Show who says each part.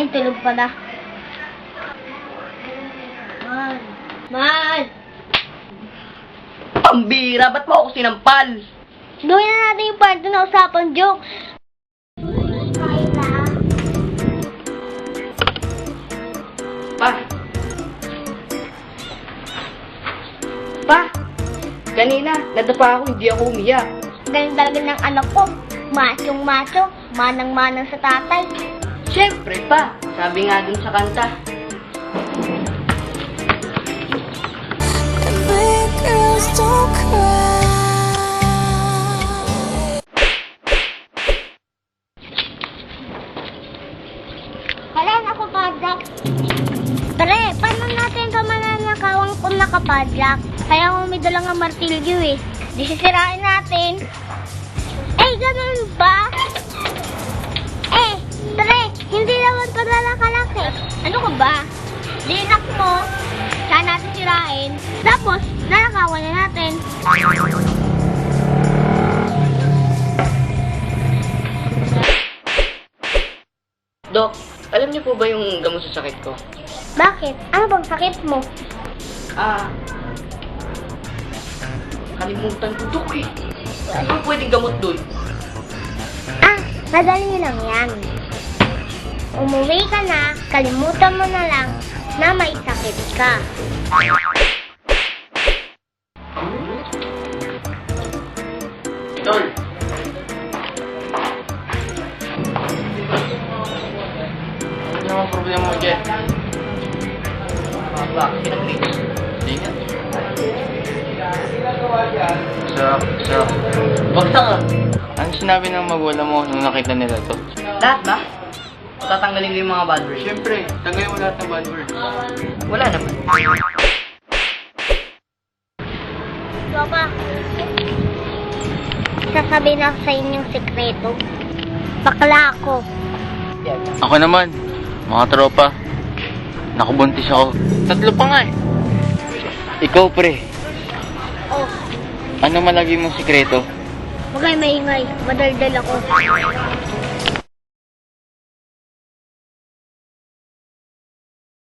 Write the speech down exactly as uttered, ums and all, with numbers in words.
Speaker 1: Ay, tulog pala. Man. Man!
Speaker 2: Pambira, ba't mo ako sinampal?
Speaker 1: Gawin na natin yung part na usapang jokes.
Speaker 2: Pa! Pa! Kanina, nadapa ako, hindi ako umiyak.
Speaker 1: Ganun talaga ng anak ko. Machong macho, manang-manang sa tatay.
Speaker 2: Siyempre pa, sabi nga dun sa kanta.
Speaker 3: Girls don't cry.
Speaker 1: Kailan ako padlock? Pre, paano natin ito mananakawang kung nakapadlock? Kaya kung may dalang ang martilyo eh. Di sisirain natin. Eh, ganun ba? Eh, pre, hindi naman ito nalakalaki. Ano ka ba? Dinak mo, saan natin sirain, tapos nalakawan na natin.
Speaker 2: Dok, alam niyo po ba yung gamot sa sakit ko?
Speaker 1: Bakit? Ano bang sakit mo?
Speaker 2: Ah, kalimutan ko, Dok eh. Ano po pwedeng gamot dun?
Speaker 1: Ah, madali lang yan. Umuwi ka na, kalimutan mo na lang na may sakit ka.
Speaker 2: Tol. Ano naman problema mo dyan? Ah, bakit? Kinag-reach? Hindi nga.
Speaker 4: Sa, sa,
Speaker 2: Bagsak ah.
Speaker 4: ano sinabi ng magulang mo nung nakita nila to?
Speaker 2: Lahat ba? Tatanggalin ko yung mga bad words?
Speaker 4: Siyempre, tanggalin mo lahat ng bad words.
Speaker 2: Wala naman.
Speaker 1: Papa, sasabihin ako sa inyong sekreto. Bakla ako.
Speaker 4: Ako naman, mga tropa, nakubuntis ako. Tatlo pa nga eh. Ikaw pre,
Speaker 1: Oh,
Speaker 4: ano malagi mong sikreto?
Speaker 1: magay maingay. Madaldal ako.